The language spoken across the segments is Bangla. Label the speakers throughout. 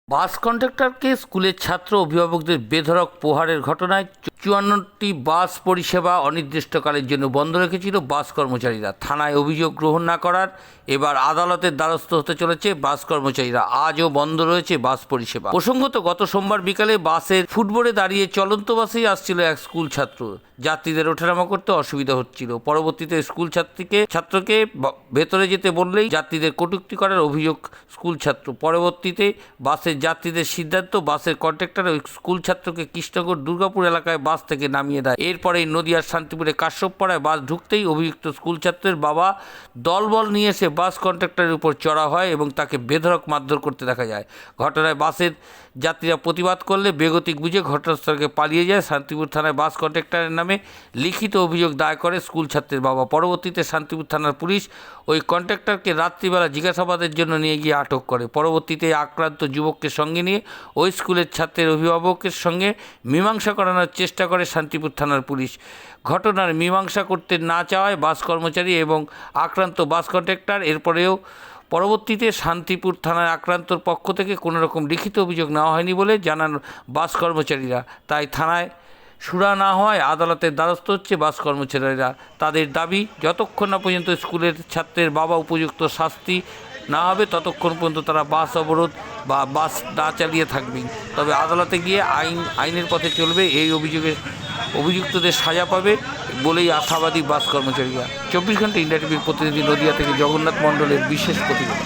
Speaker 1: বাস কন্ডাক্টরকে স্কুলের ছাত্র অভিভাবকদের বেধড়ক প্রহারের ঘটনায় ৫৪টি বাস পরিষেবা অনির্দিষ্টকালের জন্য বন্ধ রেখেছিল বাস কর্মচারীরা। থানায় অভিযোগ গ্রহণ না করার এবার আদালতের দ্বারস্থ হতে চলেছে বাস কর্মচারীরা। আজও বন্ধ রয়েছে বাস পরিষেবা। প্রসঙ্গত, গত সোমবার বিকালে বাসের ফুটবোর্ডে দাঁড়িয়ে চলন্ত বাসেই আসছিল এক স্কুল ছাত্র। যাত্রীদের ওঠানামা করতে অসুবিধা হচ্ছিল। পরবর্তীতে স্কুল ছাত্রকে ভেতরে যেতে বললেই যাত্রীদের কটূক্তি করার অভিযোগ স্কুল ছাত্র। পরবর্তীতে বাসের যাত্রীদের সিদ্ধান্ত, বাসের কন্ডাক্টর ওই স্কুল ছাত্রকে কৃষ্ণনগর দুর্গাপুর এলাকায় বাস থেকে নামিয়ে দেয়। এরপরেই নদিয়ার শান্তিপুরে কাশ্যপপাড়ায় বাস ঢুকতেই অভিযুক্ত স্কুল ছাত্রের বাবা দলবল নিয়ে এসে বাস কন্ডাক্টরের উপর চড়া হয় এবং তাকে বেধড়ক মারধর করতে দেখা যায়। ঘটনায় বাসের যাত্রীরা প্রতিবাদ করলে বেগতিক বুঝে ঘটনাস্থলকে পালিয়ে যায়। শান্তিপুর থানায় বাস কন্ডাক্টরের নামে লিখিত অভিযোগ দায়ের করে স্কুল ছাত্রের বাবা। পরবর্তীতে শান্তিপুর থানার পুলিশ ওই কন্ডাক্টরকে রাত্রিবেলা জিজ্ঞাসাবাদের জন্য নিয়ে গিয়ে আটক করে। পরবর্তীতে আক্রান্ত যুবককে সঙ্গে নিয়ে ওই স্কুলের ছাত্রের অভিভাবকের সঙ্গে মীমাংসা করানোর চেষ্টা করে শান্তিপুর থানার পুলিশ। ঘটনার মীমাংসা করতে না চাওয়ায় বাস কর্মচারী এবং আক্রান্ত বাস কন্ডাক্টর পরবর্তীতে শান্তিপুর থানার আক্রান্তর পক্ষ থেকে কোনো রকম লিখিত অভিযোগ নেওয়া হয়নি বলে জানান বাস কর্মচারীরা। তাই থানায় সুরা না হওয়ায় আদালতের দ্বারস্থ হচ্ছে বাস কর্মচারীরা। তাদের দাবি, যতক্ষণ না পর্যন্ত স্কুলের ছাত্রের বাবা উপযুক্ত শাস্তি না হবে ততক্ষণ পর্যন্ত তারা বাস অবরোধ বা বাস না চালিয়ে থাকবেন। তবে আদালতে গিয়ে আইনের পথে চলবে। এই অভিযুক্তদের সাজা পাবে বলেই আশাবাদী বাস কর্মচারীরা। ২৪ ঘন্টা ইন্ডিয়া টিভির প্রতিনিধি নদিয়া থেকে জগন্নাথ মণ্ডলের বিশেষ প্রতিবেদন।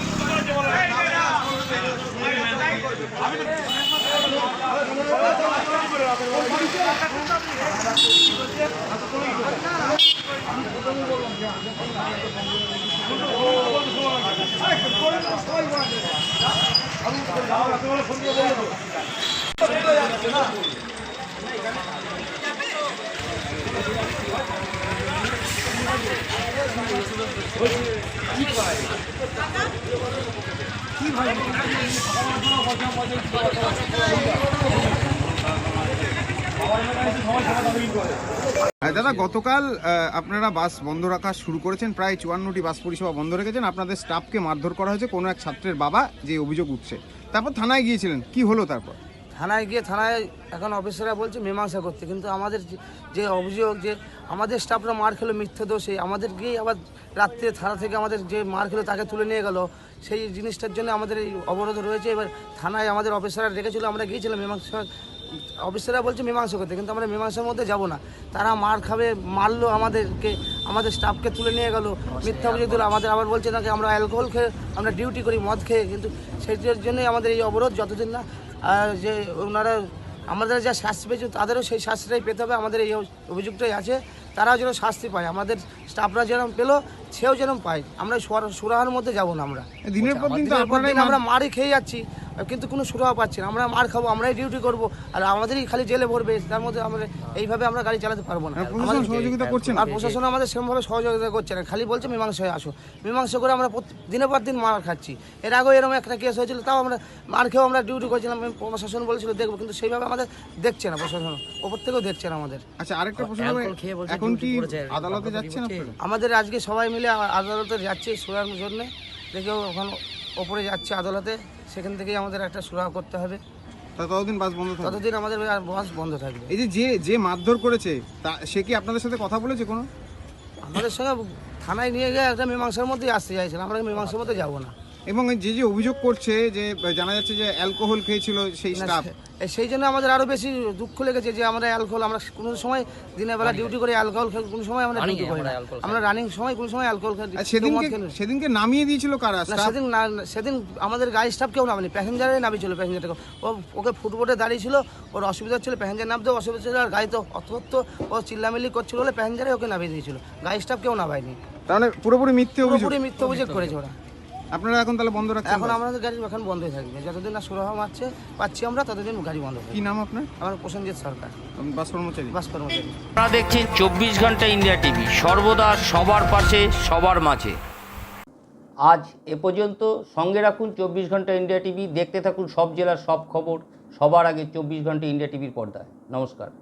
Speaker 2: দাদা, গতকাল আপনারা বাস বন্ধ রাখা শুরু করেছেন, প্রায় ৫৪টি বাস পরিষেবা বন্ধ রেখেছেন। আপনাদের স্টাফকে মারধর করা হয়েছে কোনো এক ছাত্রের বাবা যে অভিযোগ উঠছে। তারপর থানায় গিয়েছিলেন, কি হলো তারপর?
Speaker 3: থানায় এখন অফিসাররা বলছে মীমাংসা করতে, কিন্তু আমাদের যে অভিযোগ যে আমাদের স্টাফরা মার খেলো মিথ্যে দোষে, আমাদের গিয়ে আবার রাত্রে থানা থেকে আমাদের যে মার খেলো তাকে তুলে নিয়ে গেল, সেই জিনিসটার জন্য আমাদের এই অবরোধ রয়েছে। এবার থানায় আমাদের অফিসাররা রেখেছিল, আমরা গিয়েছিলাম মীমাংসা, অফিসাররা বলছে মীমাংসা করতে, কিন্তু আমরা মীমাংসার মধ্যে যাব না। তারা মার খাবে, মারলো আমাদেরকে, আমাদের স্টাফকে তুলে নিয়ে গেল, মিথ্যা অভিযোগ দিল। আমাদের আবার বলছে নাকি আমরা অ্যালকোহল খেয়ে আমরা ডিউটি করি মদ খেয়ে, কিন্তু সেইটার জন্যই আমাদের এই অবরোধ। যতদিন না যে ওনারা আমাদের যা শাস্তি পেয়েছে তাদেরও সেই শাস্তিটাই পেতে হবে। আমাদের এই অভিযোগটাই আছে, তারাও যেন শাস্তি পায়, আমাদের স্টাফরা যেরকম পেলো সেও যেরকম পায়। আমরা সুরাহার মধ্যে যাব না। আমরা
Speaker 2: দিনের পর দিন
Speaker 3: আমরা মারই খেয়ে যাচ্ছি, কিন্তু কোনো সুরাহা পাচ্ছি না। আমরা মার খাবো, আমরাই ডিউটি করবো, আর আমাদেরই খালি জেলে ভরবে। তার মধ্যে আমরা এইভাবে আমরা গাড়ি চালাতে পারবো না।
Speaker 2: সহযোগিতা করছেন
Speaker 3: আর প্রশাসন আমাদের সেরকমভাবে সহযোগিতা করছে না, খালি বলছে মীমাংসায় আসো। মীমাংসা করে আমরা দিনের পর দিন মার খাচ্ছি। এর আগেও এরকম একটা কেস হয়েছিল, তাও আমরা মার খেয়েও আমরা ডিউটি করছিলাম। প্রশাসন বলেছিল দেখবো, কিন্তু সেইভাবে আমাদের দেখছে না প্রশাসন, ওপর থেকেও দেখছে না আমাদের।
Speaker 2: আচ্ছা, আরেকটা প্রশ্ন, এখন কি আদালতে যাচ্ছেন আপনারা?
Speaker 3: আমাদের আজকে সবাই মিলে আদালতে যাচ্ছি সুরার জন্য। দেখেও এখন ওপরে যাচ্ছে আদালতে, সেখান থেকেই আমাদের একটা সুরাহা করতে হবে।
Speaker 2: ততদিন বাস বন্ধ থাকবে?
Speaker 3: ততদিন আমাদের বাস বন্ধ থাকবে।
Speaker 2: এই যে মারধর করেছে সে কি আপনাদের সাথে কথা বলেছে কোনো?
Speaker 3: আমাদের সঙ্গে থানায় নিয়ে গিয়ে একটা মীমাংসার মধ্যেই আসতে চাইছিলাম, আমরা মীমাংসার মধ্যে যাবো না।
Speaker 2: এবং যে অভিযোগ করছে যে জানা যাচ্ছে যে অ্যালকোহল খেয়েছিল সেই স্টাফ,
Speaker 3: সেই জন্য আমাদের আরো বেশি দুঃখ লেগেছে যে আমরা অ্যালকোহল, আমরা কোনো সময় দিনের বেলা ডিউটি করে অ্যালকোহল খাই, কোনো সময় আমরা ডিউটি করি না। আমরা রানিং সময় কোনো সময় অ্যালকোহল খাই।
Speaker 2: সেদিনকে নামিয়ে দিয়েছিল কারা?
Speaker 3: সেদিন আমাদের গাড়ি স্টাফ কেউ নামেনি, প্যাসেঞ্জারে নামিয়েছিল। প্যাসেঞ্জারটাকে ওকে ফুটবোর্ডে দাঁড়িয়েছিল, ওর অসুবিধা হচ্ছিল, প্যাসেঞ্জার নামতেও অসুবিধা ছিল, আর গাড়ি তো অত ও চিল্লামিল্লি করছিল বলে প্যাসেঞ্জারে ওকে নামিয়ে দিয়েছিল, গাড়ি স্টাফ কেউ নামায়নি।
Speaker 2: তাহলে পুরোপুরি মিথ্যে
Speaker 3: অভিযোগ করেছে ওরা।
Speaker 2: আপনারা এখন তাহলে বন্ধ রাখছেন?
Speaker 3: এখন আমাদের গাড়ি এখন বন্ধই থাকবে, যতদিন না সুরাহা পাচ্ছি আমরা, ততদিন গাড়ি বন্ধ থাকবে।
Speaker 2: কি নাম আপনার?
Speaker 3: আমার প্রসেনজিৎ সরকার,
Speaker 2: বাস কর্মচারী।
Speaker 1: আপনারা দেখছেন ২৪ ঘন্টা ইন্ডিয়া টিভি, সর্বদা সবার পাশে সবার মাঝে। আজ এ পর্যন্ত। সঙ্গে রাখুন ২৪ ঘন্টা ইন্ডিয়া টিভি, দেখতে থাকুন সব জেলার সব খবর সবার আগে ২৪ ঘন্টা ইন্ডিয়া টিভির পর্দায়। নমস্কার।